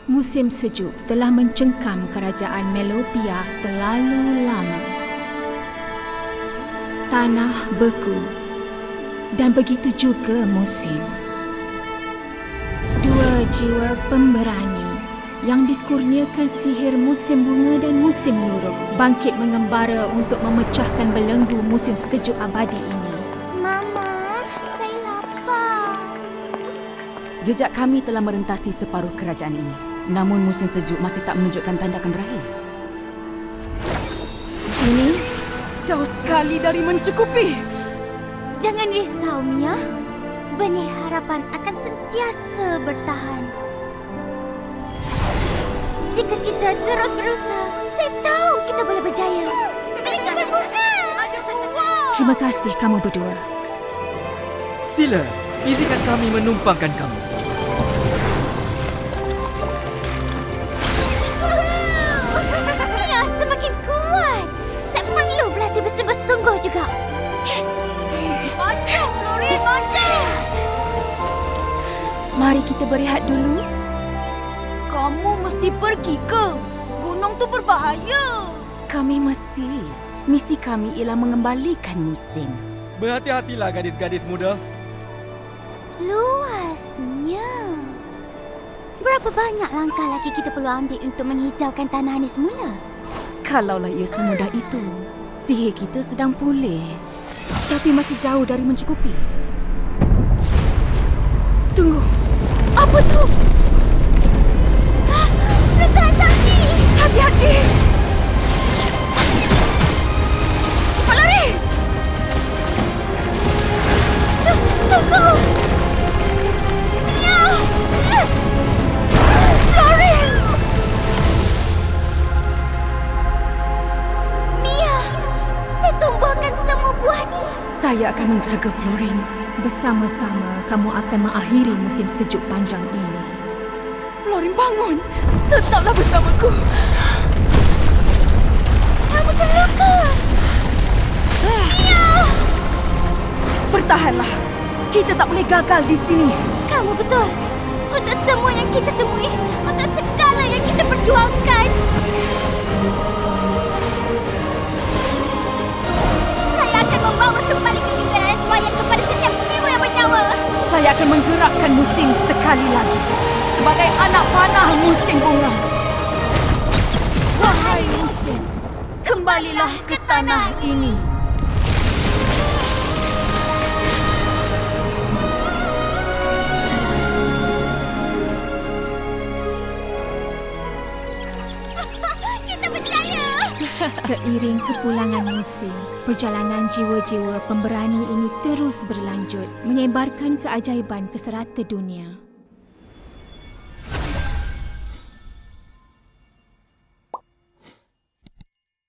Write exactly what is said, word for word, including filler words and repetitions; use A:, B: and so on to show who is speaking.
A: Musim sejuk telah mencengkam kerajaan Melopia terlalu lama. Tanah beku dan begitu juga musim. Dua jiwa pemberani yang dikurniakan sihir musim bunga dan musim luruh bangkit mengembara untuk memecahkan belenggu musim sejuk abadi ini.
B: Mama, saya lapar.
C: Jejak kami telah merentasi separuh kerajaan ini. Namun musim sejuk masih tak menunjukkan tanda akan berakhir. Ini jauh sekali dari mencukupi.
B: Jangan risau, Mia. Benih harapan akan sentiasa bertahan. Jika kita terus berusaha, saya tahu kita boleh berjaya. Mereka berbunga. Ada buah.
A: Terima kasih kamu berdua.
D: Sila, izinkan kami menumpangkan kamu.
B: Mia semakin kuat. Saya perlu berlatih bersungguh-sungguh juga. Maju, Florin, maju.
C: Mari kita berehat dulu.
E: Kamu mesti pergi ke? Gunung tu berbahaya.
C: Kami mesti. Misi kami ialah mengembalikan musim.
D: Berhati-hatilah gadis-gadis muda.
B: Luasnya. Berapa banyak langkah lagi kita perlu ambil untuk menghijaukan tanah ini semula?
C: Kalaulah ia semudah itu, sihir kita sedang pulih. Tapi masih jauh dari mencukupi. Tunggu. Apa tu?
B: Rentahan sakti!
C: Hati-hati!
B: Cepat lari! Tunggu! Mia! Florin! Mia! Saya tumbuhkan semua buah ni.
C: Saya akan menjaga Florin.
A: Bersama-sama kamu akan mengakhiri musim sejuk panjang ini.
C: Florin, bangun! Tetaplah bersamaku!
B: Kamu terluka! Mia!
C: Bertahanlah! Kita tak boleh gagal di sini.
B: Kamu betul. Untuk semua yang kita temui, untuk segala yang kita perjuangkan. Saya akan membawa kembali kefikiran saya kepada setiap jiwa yang bernyawa.
C: Saya akan menggerakkan musim sekali lagi. Sebagai anak panah musim bunga. Wahai musim, kembalilah ke tanah ini.
B: Kita berjaya!
A: Seiring kepulangan musim, perjalanan jiwa-jiwa pemberani ini terus berlanjut, menyebarkan keajaiban ke serata dunia.